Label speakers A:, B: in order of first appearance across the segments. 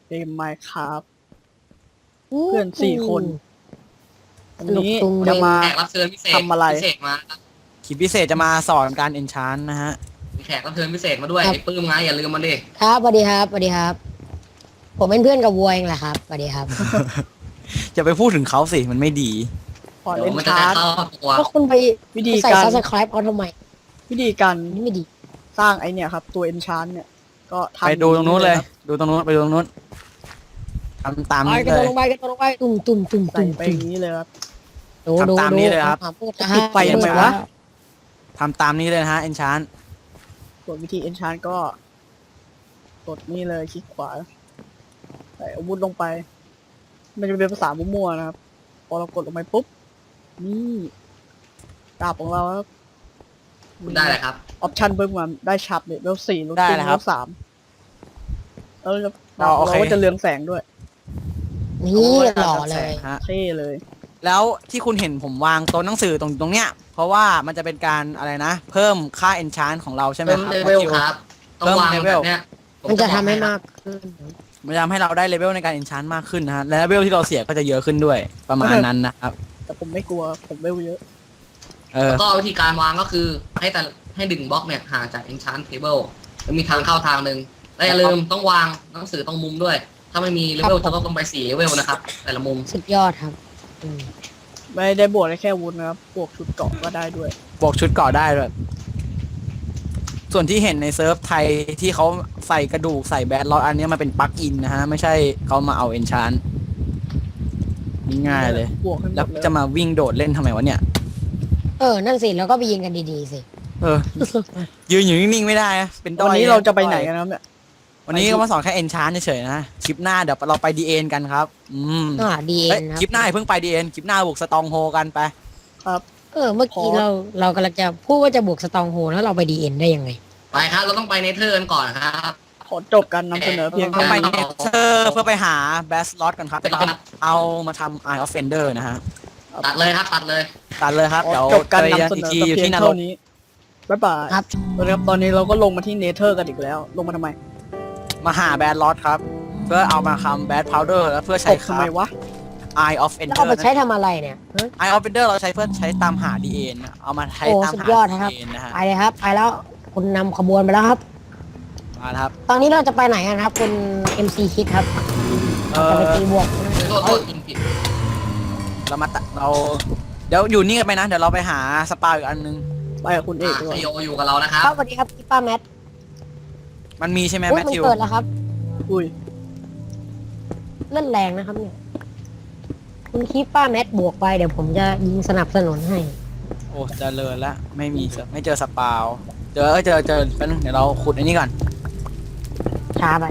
A: เกม Minecraft เพื่อน4 คนวันนี้จะมา
B: แขกรับเชิญพิเศษ
A: ทำอะไร
B: พิเศษมาครับ
C: คลิปพิเศษจะมาสอนการเอนชานนะฮะ
B: มีแขกรับเชิญพิเศษมาด้วย
D: ครับ
B: ไอ้ปื้มไงอย่าลืมมันดิ
D: ครับสวัสดีครับสวัสดีครับ ผมเป็นเพื่อนกับวัวเองแหละครับสวัสดีครับ
C: จะไปพูดถึงเขาสิมันไม่ดี
A: พอ
B: เดี๋
A: เล่
B: ยวน มันจะได้
A: ชาร์จ
B: เข้าตัว
D: ก็คุณไป
A: วิธี
D: ใส่
A: การ
D: subscribe เขาทำไม
A: วิธีการ
D: นี่ไม่ดี
A: สร้างไอเนี่ยครับ ตัว enchant เนี่ย ก็ทำ
C: ไปดูตรงนู้นเลย
A: ครับ
C: ดูตรงนู้นไปดูตรงนู้นทำตาม
D: ไป
C: นี้
D: กระ
C: เล
D: โดด
C: ย
D: ลงไปกระโดดลงไปตุ่มตุ่มตุ่ม
A: ใส่
D: ตุ่ม
A: ไปอ
D: ตุ่ม
A: ย่างนี้เลยครับ
D: ดู
C: ทำตามนี้เลยครับ
A: ปิดไฟทำไมวะ
C: ทำตามนี้เลยนะฮะเอนชาน
A: ส่วนวิธี enchant ก็กดนี่เลยคลิกขวาใส่อาวุธลงไป มันจะเป็นภาษามั่วๆนะครับ พอเรากดลงไปปุ๊บนี่ดาบของเราครับ
B: คุณได้เลยครับ
A: ออปชั่นเพิ่มมาได้ชับเนี่ยเลเวล4ลดติ้งเลเวล3แล้วดาบของเราก็จะเรืองแสงด้วย
D: นี่หล่อเลย
C: ฮะ
A: เท่เลย
C: แล้วที่คุณเห็นผมวางโต๊ะหนังสือตรงเนี้ยเพราะว่ามันจะเป็นการอะไรนะ เพิ่มค่าเอนชานของเราใช่ไหม
B: เพิ่ม
C: ครับ
B: เลเวลครับ ต้องวาง
C: เพิ่มเลเว
B: แบ
C: ล
B: บเนี้ย
D: มันจะทำให้มากขึ้น
C: มันจะทำให้เราได้เลเวลในการเอนชานมากขึ้นนะฮะและเลเวลที่เราเสียก็จะเยอะขึ้นด้วยประมาณนั้นนะครับ
A: แต่ผมไม่กลัวผมเวลเยอะ
B: แล้วก็วิธีการวางก็คือให้ดึงบล็อกเนี่ยห่างจาก enchant table แล้วมีทางเข้าทางหนึ่งและอย่าลืมต้องวางหนังสือตรงมุมด้วย ถ้าไม่มีเลเวลจะต้องไป4เลเวลนะครับ แต่ละมุม
D: สุดยอดครับอืม
A: ไม่ได้บวกได้แค่อาวุธนะครับบวกชุดเกราะก็ได้ด้วย
C: บอกชุดเกาะได้ด้วยส่วนที่เห็นในเซิร์ฟไทยที่เขาใส่กระดูกใส่แบดล็อกอันเนี้ยมันเป็นปลั๊กอินนะฮะ ไม่ใช่เขามาเอาเอนชานง่ายๆเลย
A: บวกให้หม
C: แล้ว
A: ดเลย
C: จะมาวิ่งโดดเล่นทำไมวะเนี่ย
D: นั่นสิแล้วก็ไปยิงกันดีๆสิ
C: เออ ยืนอยู่นิ่งๆไม่ได้นะเป็นด้อย
A: วันนี้เราจะไปไหนกันนะครับเนี่ย
C: วันนี้ก็มาสอนแค่เอนชานเฉยๆนะคลิปหน้าเดี๋ยวเราไปดีเอ็นกันครับ
D: ดีเอ็
C: เอ้ย
D: นครั
C: คลิปหน้าอย่าเพิ่งไปดีเอ็นคลิปหน้าบุกสตองโฮกันไป
A: ครับ
D: เมื่อกี้เรากำลังจะพูดว่าจะบวกสตองโฮแล้วเราไปดีเอ็นได้ยังไง
B: ไปครับ เราต้องไปเนเธอร์กันก่อนครับ
A: ขอจบการนำเสนอเพียง
C: ต้อ
A: เท่าง
C: ไป
A: นี้
C: เนเธอร์เพื่อไปหาแบสล็อตกันครับเอามาทำ Eye of Fender นะฮะ
B: ตัดเลยครับตัดเลย
C: ตัดเลยครับ
A: ขอ
C: เดี๋ยว
A: จบการ
C: เจอ
A: นำเส
C: อีก
A: นอ
C: ที
A: แต่
C: อยู่
A: เพียง
C: ที่นร
A: เท่าก นี้บ๊ายบาย
D: ครับ
A: ครับตอนนี้เราก็ลงมาที่เนเธอร์กันอีกแล้ว ลงมาทำไม
C: มาหาแบดล็อตครับ เพื่อเอามาทำแบดพาวเดอร์แล้วเพื่อ
A: ต
C: ใช้
A: บทำไมวะ
C: Eye of
D: แล้ว
C: Ender
D: เอาไปใช้ทำอะไรเนี่ยฮะ
C: Eye of Ender เราใช้เพื่อใช้ตามหา DN นะเอามาใช้
D: โอ้
C: ตาม
D: สุด
C: หาย
D: อดนะครับ
C: DN นะฮะ
D: ไปเลยครับ ไปแล้วคุณนำขบวนไปแล้วครับ
C: มาแล้วครับ
D: ตอนนี้เราจะไปไหนกันครับคุณ MC คิดครับ
C: เอ
D: จะไป
C: อ
D: ตีบวก
B: โทษยิงผิด
C: เรามาเราเดี๋ยวอยู่นี่กันไปนะ เดี๋ยวเราไปหาสปาอีกอันนึง
A: ไปกับคุณเอกดีกว่า
B: ซีโออยู่กับเรานะครับ
D: ครับสวัสดีครับพี่ป้าแมท
C: มันมีใช่ไหม
D: อุ้
C: แม
D: ย
C: ท
D: มัน
C: ธิว
D: เกิดแล้วครับ
A: อุ้ย
D: เล่นแรงนะครับเนี่ยคุณคิดป้าแมทบวกไปเดี๋ยวผมจะยิงสนับสนุนให้
C: โอ้เจริญละไม่มีไม่เจอสปาวเจอแป๊บนึงเดี๋ยวเราขุดอันนี้ก่อน
D: ช้าไป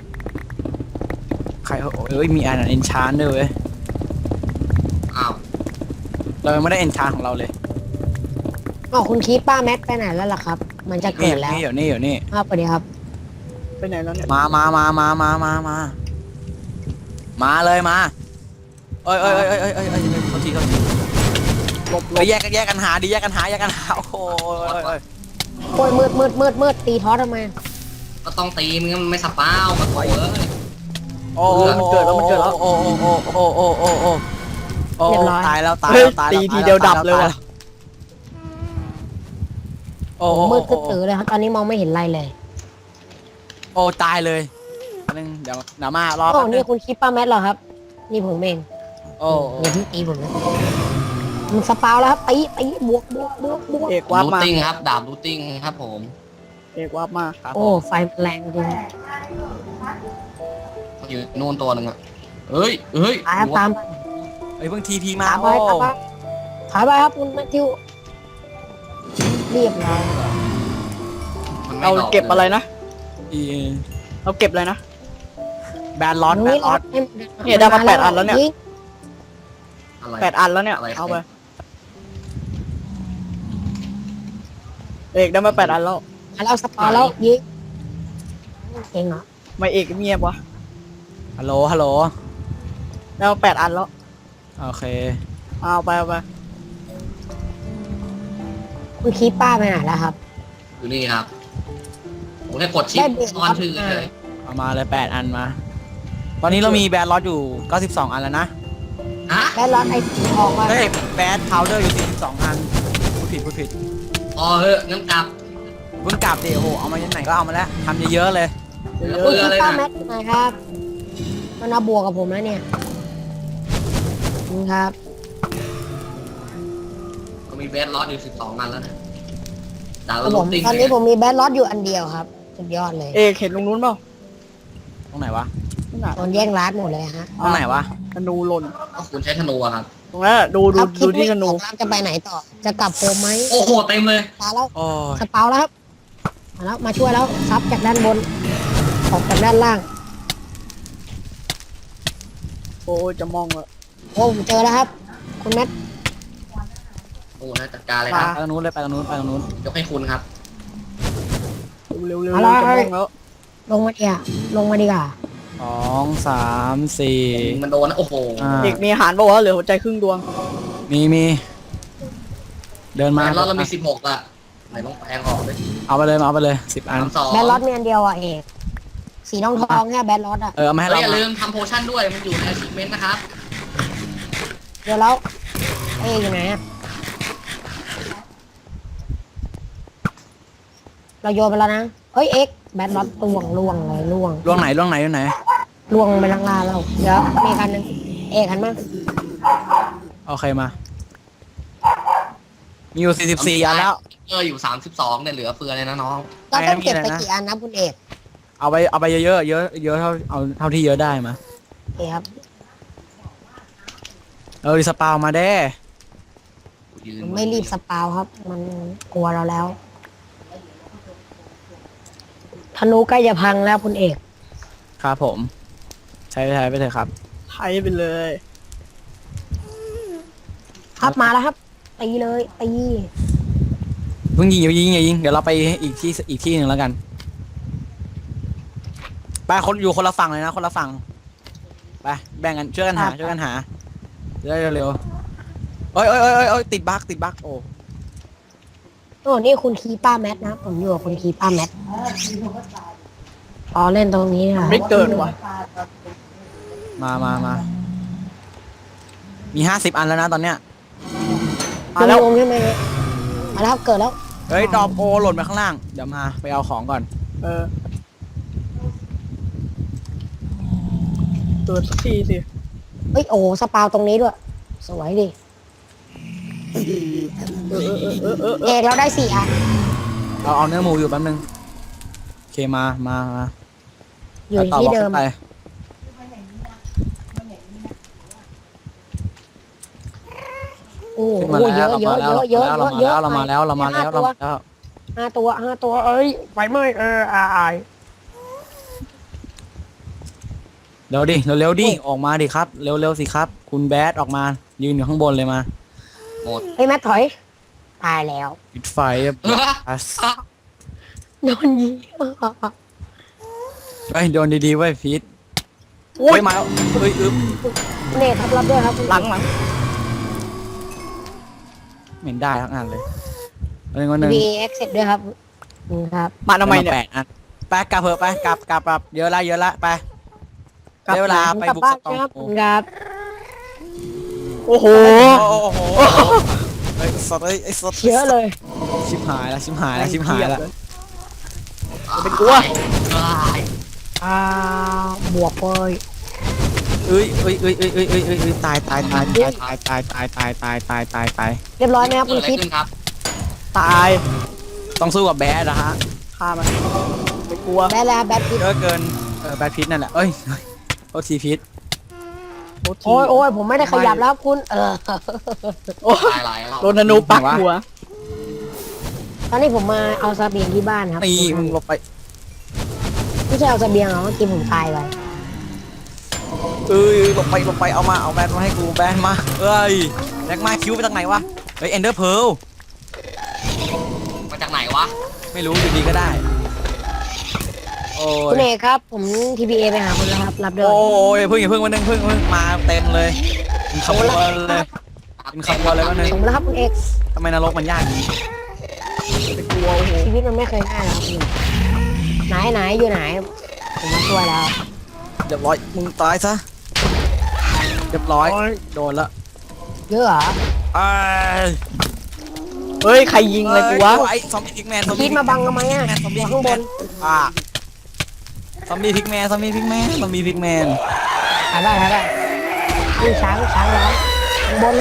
C: ใครเอ้ยมีอันเอนชานด้วยเว้ย
B: อ้าว
C: เรายังไม่ได้เอนชานของเราเลย
D: อ๋อคุณคิดป้าแมทไปไหนแล้วล่ะครับ มันจะ
C: นี่
D: เกิดแล้ว
C: อยู่นี่
D: ครับสวัสดีครับ
A: ไปไหนแล้วเนี่ย
C: มาเลยมาเอ้ยเขาที
A: หลบ
C: แยกกันหาดิแยกกันหาโอ้โห
D: โอ้ยมืดตีท้อทำไม
B: ก็ต้องตีมึงงั้นมันไม่สปาวมาโถเอ้ย
C: โอ้ตายแล้ว
A: เฮ้ยตีทีเดียวดับเลยว่ะ
C: โอ้
D: มืดตื้อเลยครับตอนนี้มองไม่เห็นอะไรเลย
C: โอ้ตายเลยนึงเดี๋ยวมารอ
D: โอ้
C: แป๊บนึ
D: นี่
C: ง
D: คุณคิดป้าแมทเหรอครับ นี่ผมเอง
C: โอ้
D: อย่าเพิ่งตีผมนะมันสปาวแล้วครับตีบวก
A: เอกวาร์ป
B: รู
A: มา
B: ติ้งครับดาบรูติ้งครับผม
A: เอกวาร์ปมา
D: โอ้ไฟแรงจริง
B: อยู่นู่นตัวหนึ่งอะเอ้ย
D: ตาม
C: ไอ้เพิ่งทีพีมา
D: ตามไปถอยไปครับคุณแมทธิวเรียบร้อย
B: มันไม่
A: เรา
B: ดอก
A: เก็บอะไรนะ
C: อี
A: เราเก็บอะไรนะ
C: แบนล็อต
A: เนี่ยได้มา8 อันแล้วเนี่ย
B: อะไร
A: 8 อันแล้วเนี่ย
B: อะไร
A: เอาไปเอกได้มา8 อันแล้ว
D: เราสปาวแล้วยิงเองเหรอ
A: ไม่เอกเงียบวะ
C: ฮัลโหล
A: ได้มา8 อันแล้ว
C: โอเค
A: เอาไป
D: คุณคิดป้าไปไหนแล้วครับ
B: อยู่นี่ครับผมแค่กดชิป
D: ได้เบรก
B: ซ่อนชื่อเลย
C: เอามาเลย8 อันมาตอนนี้เรามีแบดล็อตอยู่92อันแล้วนะ
B: ฮะ
D: แบดล็อตไอ้สีทองว่า
C: เฮ้ยแบดพาวเดอร์อยู่42อันพูดผิด
B: อ๋อเฮ้ยงั้นกลับ
C: เพิ่งกลับดิโอ้โหเอามาจากไหนก็เอามาแล้วทำเยอะๆเลย
A: เย
B: เบื่
A: อะ
B: อเลย
D: ป้า
B: นะ
D: แมทยังไงครับมันเอาบวกกับผมแล้วเนี่ยนี่ครับ
B: ก็มีเบสล็อตอยู่12อันแล้วนะดาว
D: ครับผ
B: ลู
D: ม
B: ตติ้ง
D: ตอนนี้ผมมีแบดล็อตอยู่อันเดียวครับสุดยอดเลย
A: เอกเห็นตรงนู้นเปล่า
C: ตรงไหนวะ
A: นั่นน่ะ
D: โดนแย่งร้านหมดเลยฮะ
C: ตรงไหนวะ
A: ธนูหล่น
B: ก็คุณใช้ธนูอะครับ
A: ตรงนั้นอะดู
D: ครับคิ
A: ดู
D: ด
A: ที่
D: ไม่
A: ธ
D: อ
A: นู
D: อกครับจะไปไหนต่อ จะกลับโฮมไหม
B: โอ้โหเต็มเลย
D: ตาแล้ว
C: โอ้ย
D: สเปาแล้วครับมาแล้วมาช่วยแล้วซับจากด้านบนออกจากด้านล่าง
A: โอ้ยจะมองละ
D: โอ้ผมเจอแล้วครับ คุณแมท
B: โอ้โหน่าจัดการเลยครับ
C: ไปตรงนู้นเลยไปตรงนู้นไปตรงนู้น
B: ยกให้คุณครับ
A: เร็วๆจะมองแล้ว
D: ลงมาเนี่ยลงมาดีกว่า
C: 2 3 4
B: มันโดนนะโอ้โห
A: เอกมีอาหารป่าวะเหลือหัวใจครึ่งดวง
C: มีเดิน
B: แบ
C: มา
B: สล็อตเรามี16อะไหนลองแปลงออกเลย
C: เอาไปเลย10อัน
B: 32
D: แบดล็อตมีอันเดียวอ่ะเอกสีทองทองแค่แบดล็อตอ่ะ
C: เอามาให้
B: แล้ว
C: เรา
B: อย่าลืมทำโพชั่นด้วยมันอยู่ใน achievement นะครับ
D: เดี๋ยวแล้วเอกอยู่ไหนอ่ะเราโยนไปแล้วนะเฮ้ยเอกแบดล็อตล่วงเลยล่วง
C: ล่วงไหนล่วงไหน
D: ล่วงไปล่างๆแล้วเดี๋ยวมีคันหนึงเอกหันมา
C: โอเคมา มีอยู่44อันแล้ว
B: อยู่32เนี่ยเหลือเฟือเลยนะน้อง
D: เราต้องเก็บไป
C: ไม่มีอะไรนะ
D: กี่อันนะคุณเอก
C: เอาไปเยอะเท่าที่เยอะได้มา
D: เอกครับ
C: สปาวมาเด้
D: มันไม่รีบสปาวครับ มันกลัวเราแล้วธนูใกล้จะพังแล้วคุณเอก
C: ครับผม ใช้ไปเถอะครับ
A: ไทยไปเลย
D: ครับมาแล้วครับตีเลยตี
C: เพิ่งอย่ายิงเดี๋ยวเราไปอีกที่หนึ่งแล้วกันไปคนอยู่คนละฝั่งเลยนะคนละฝั่งไปแบ่งกันช่วยกันหาเร็วๆเอ้ยติดบั๊กโอ้
D: โอ้นี่คุณคีป้าแมทนะผมอยู่กับคุณคีป้าแมทอ๋อเล่นตรงนี้ค่ะ
A: ไม่เกิดว่ะ
C: มามี50อันแล้วนะตอนเนี้ย
D: มาแล้วใช่ไหมมาแล้วครับเกิดแล้ว
C: เฮ้ยดรอปโอหล่นไปข้างล่างเดี๋ยวมาไปเอาของก่อน
A: เออเกิดสักทีสิ
D: เฮ้ยโอ้สปาวตรงนี้ด้วย สวยดิ
A: เออ
D: เอกเราได้4 อัน
C: เอาเนื้อหมูอยู่แป๊บนึงโอเคมา
D: อยู่
C: ต่
D: ที่
C: บล็อก
D: เดิม
C: ขึ้นไป
D: โอ้
C: ขึ้นมา
D: โห
C: แล้ว
D: เยอะ
C: เรามาแล้ว
D: 5 ตัวเอ้ยไฟไหม้อาย
C: เร็วดิออกมาดิครับเร็วสิครับ คุณแบดออกมายืนอยู่ข้างบนเลยมา
B: หมด
D: เฮ้ยแมทถอยตายแล้ว
C: ปิดไฟ
D: โดนยิง
C: เฮ้ยโดนดีๆไว้พีท
A: โอ้ย
C: เฮ้ยมาแล้วเฮ้ยอึ๊บ
D: เนทครับรับด้วยครับ
A: หลัง
C: เหม็นได้ทั้งอันเลยวันหนึ่ง
D: มีเอ็กเซตด้วยครับครับ
A: มาทำไมเนี่ย
C: 8 อันไปกลับเถอะไปกลับเยอะละไปได้เวลาไปบุกสตอง
D: ครับ
C: โอ้
D: ครับ
A: โอ้โห
C: โหไอ้สดไอ้สด
D: เยอะเลย
C: ชิบหายแล้ว
A: เป็นกลัว
D: อ่าบวกเลย
C: เอ้ยตาย
D: เรียบร้อยไหมครับ
B: เกิ
D: คุ
B: ด
D: ณ
B: อะไร
D: คิด
B: ขึ้นครับ
A: ตาย
C: ต้องสู้กับแบดนะฮะ
A: ฆ่ามันไม่กลัว
D: แบทแล้วแบทพิษ
C: เยอะเกินแบดพิษนั่นแหละเอ้ยโทษทีพิษ
D: โอ้ยผมไม่ได้ขยับแล้วครับคุณ
A: โอ้
B: ตายหลายรอบ
A: โดนธนูปักหัว
D: ตอนนี้ผมมาเอาเสบียงที่บ้านครับ
C: นี่มึงลบไป
D: ไม่ใช่เอาเสบียงหรอกเมื่อกี้ผมตายไป
C: ลบไปเอาแบดมาให้กูแบดมาเอ้ยแบกมาคิวไปทางไหนวะเฮ้ยเอนเดอร์เพล
B: มาจากไหนวะ
C: ไม่รู้อยู่ดีก็ได้โอ้
D: คุณ
C: ย
D: เอกครับ ผม TPA ไปหาคุณแล้วครับรับด้วย
C: โอ้ยเพิ่งวันนึงเพิ่งมาเต็มเลยเป็นขบวนเลยวันนึง
D: ส่งมาแล้วครับคุณเอก
C: ทำไมนรกมันยากอย่างนี้
A: ไม่กลัวโอ้โห
D: ชีวิตมันไม่เคยง่ายหรอกครับคุณไหนอยู่ไหนผมมาช่วยแล้ว
C: เรียบร้อยมึงตายซะเรียบร้อยโดนละ
D: เยอะเหรอ
C: ไอ้
A: เฮ้ย ใครยิงอะไรกูวะ
C: ไอ้ซอมบี้พิกแมน
D: คิดมาบังทำไมอ่ะ
C: ซอม
D: อ
C: บี้
D: ยู่
C: พิ
D: ข้าก ง
C: แม
D: บน
C: นซอมบี้พิกแมนซอมบี้พิกแมนซอมบี้พิกแมน
D: ถ่ายได้ลูกช้างร้องข้างบน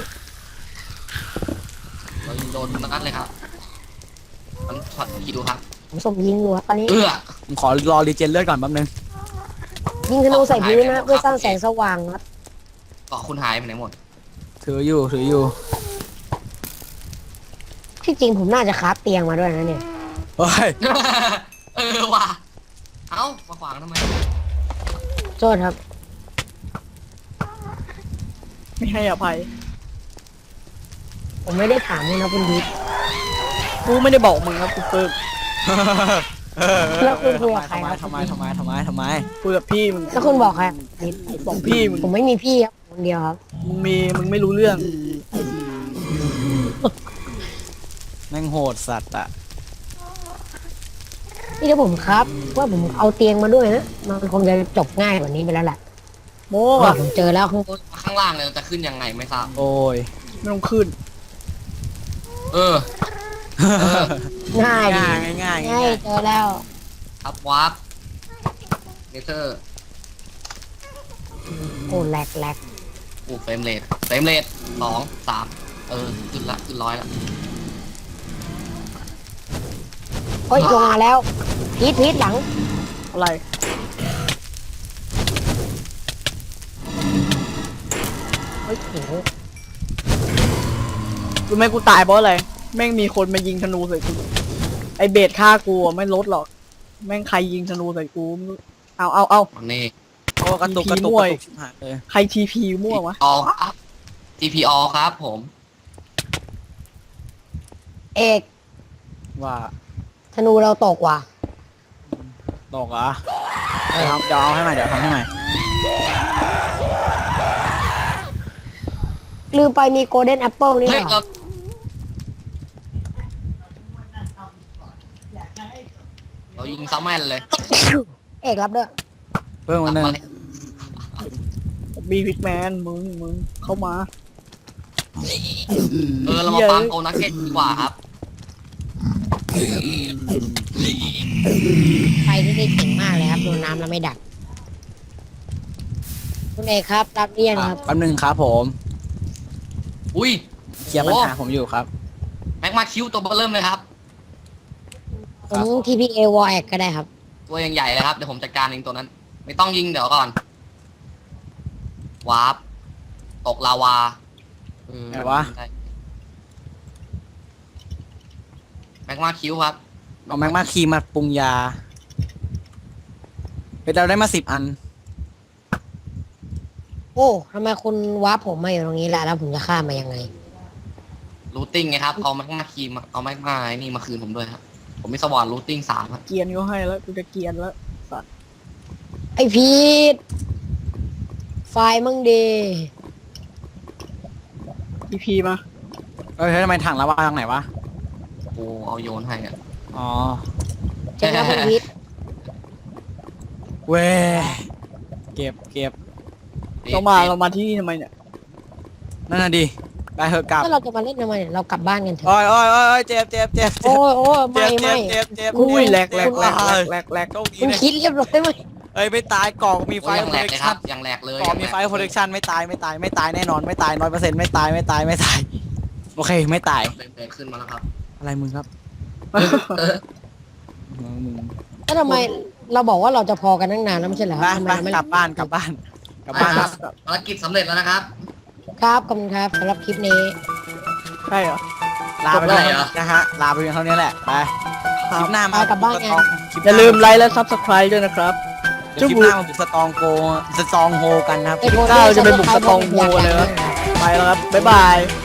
B: เรายิงโดนนัดเลยครับมันช็อตคิวครับ
D: ผมส่งยิงอยู่ครับตอนนี้
C: ผมขอรอรีเจนเลือดก่อนแป๊บนึง
D: ยิงธนูใส่พื้นนะเพื่อสร้างแสงสว่างครับ
B: เกาะคุณหายไปไหนหมด
C: ถืออยู่
D: ที่จริงผมน่าจะคราฟเตียงมาด้วยนะเนี่ย
C: เฮ้ย
B: ว่ะเอ้ามาขวางทำไม
D: โทษครับ
A: ไม่ให้อภัย
D: ผมไม่ได้ถามเลยนะคุณพีท
A: กูไม่ได้บอกมึงครับกูเปิด
D: แล้วคุณคุยกับใครครับ
C: ทำไม
A: คุยกับพี่มึง
D: แล้วคุณบอกใครพีท
A: บอกพี่มึง
D: ผมไม่มีพี่ครับคนเดียวครับ
A: มึงไม่รู้เรื่อง
C: แม่งโหดสัตว์อะ
D: นี่ถ้าผมครับว่าผมเอาเตียงมาด้วยนะมันคงจะจบง่ายกว่านี้ไปแล้วแหละ
A: โม่
D: ว่า
A: อะ
D: ผมเจอแล้วข้างบน
B: ข้างล่างเลยจะขึ้นยังไงไม่ทราบ
C: โอ้ย
A: ไม่ต้องขึ้น
B: เออ
D: ง่ายดี
C: ง่าย
D: ง่ายเจอแล้ว
B: ครับวาร์ปเนเธอร์
D: โอ้แหลก
B: เฟรมเรท2 3ขึ้นร้อยละ
D: โอ้ยลงมาแล้วพีทหลัง
A: อะไร
D: โอ้ยโห
A: รู้ไหมกูตายเพราะอะไร แม่งมีคนมายิงธนูใส่กู ไอเบสฆ่ากูอะไม่ลดหรอก แม่งใครยิงธนูใส่กูไม่รู้เอา
B: มันนี่
C: โอ้กระตุก
A: ผีม่วย
C: ชิบหายเลย
A: ใครทีพีมั่ววะ
B: ออครับ TPO ครับผม
D: เอก
C: ว่า
D: ธนูเราตกว่ะ
C: ตกเหรอเดี๋ยวเอาให้ใหม่เดี๋ยวทำให้ใหม่
D: ลืมไปมีโกลเด้นแอปเปิลนี่
B: เฮ้ย
D: เหรอ
B: เรายิงซัมแมนเลย
D: เอกรับด้วย
C: เพิ่มมาหนึ่ง
A: บีพิกแมนมึงเข้ามา
B: เรามาปั๊มโกนักเก็ตดีกว่าครับ
D: ไฟที่ได้เก่งมากเลยครับโดนน้ำแล้วไม่ดับคุณเอกครับรับเรียนครับ
C: แป๊บนึงครับผม
B: อุ้ย
C: เคลียร์ปัญหาผมอยู่ครับ
B: แม็กมาคิวตัวเบอร์เริ่มเลยครับ
D: ผม TPA War แอกก็ได้ครับ
B: ตัวยังใหญ่เลยครับ เดี๋ยวผมจัดการเองตัวนั้น ไม่ต้องยิงเดี๋ยวก่อน วาร์ปตกลาวา
C: ไหนวะ
B: แม็กมาคิวครับ
C: เอาแม็กมาคีมาปรุงยาไปเราได้มา10 อัน
D: โอ้ทำไมคุณวาร์ปผมมาอยู่ตรงนี้ล่ะแล้วผมจะข้ามมายังไง
B: รูทติ้งไงครับ เอาแม็กมาคีมาเอาแม็กมาไอ้นี่มาคืนผมด้วยครับ ผมมีสวอนรูทติ้ง3ครับ
A: เกียนก็ให้แล้วกูจะเกียนแล้ว สัตว์
D: ไอพีทไฟล์มั่งดี
A: ทีพีมา
C: เฮ้ยทำไมถังระวางไหนวะ
B: โอ้เอาโยนให้อะ
C: อ๋อ
D: เจ๊งแล้วคุณพีท
C: เว้ยเก็บ
A: เรามาที่นี่ทำไมเนี่ย
C: นั่นน่ะดิไปเถอะกลับ
D: ถ้าเราจะมาเล่นทำไมเนี่ยเรากลับบ้านกันเถอะ
C: โอ้ยเจ็บ
D: โอ้ยไม่
C: เจ็บ
A: อุ้ยแหลก
C: โชคดี
D: คุณ
C: นะ
D: คิดเรียบร้อยไหม
C: เอ้ยไม่ตายกล่องมีไฟ
B: โอ้ยยัง
C: โป
B: แหล
C: ร
B: ก
C: เท
B: เลย
C: ค
B: ครั
C: ชั่
B: บ
C: น
B: ยังแหลกเลย
C: กล่องมีไฟโปรเทคชั่นไม่ตายแน่นอนไม่ตาย100%ไม่ตายโอเคไม่ตาย
B: เบรกขึ้นมาแล้วครับ
C: อะไรมึงครับมึง
D: แล้วทำไมเราบอกว่าเราจะพอกันตั้งนานแล้วไม่ใช่เหรอ
C: ไป
D: ทำไมเราไม่
C: กลับบ้าน
B: ครับ ภารกิจสำเร็จแล้วนะครับ
D: ครับขอบคุณครับสำหรับคลิปนี้
A: ใช่เหรอ
C: ลาไป
B: จบได้
C: เลย
B: เหรอ
C: นะฮะลาไปเพียงเท่านี้แหละไปคลิปหน้ามา
D: ไปกลับบ้านกัน
A: อย่าลืมไลค์และซับสไครต์ด้วยนะครับ
C: คลิปหน้ามาบุกสตองโฮกันนะครับ
A: ก้าวจะไปบุกสตองโฮเลยนะ ไปแล้วครับ บ๊ายบาย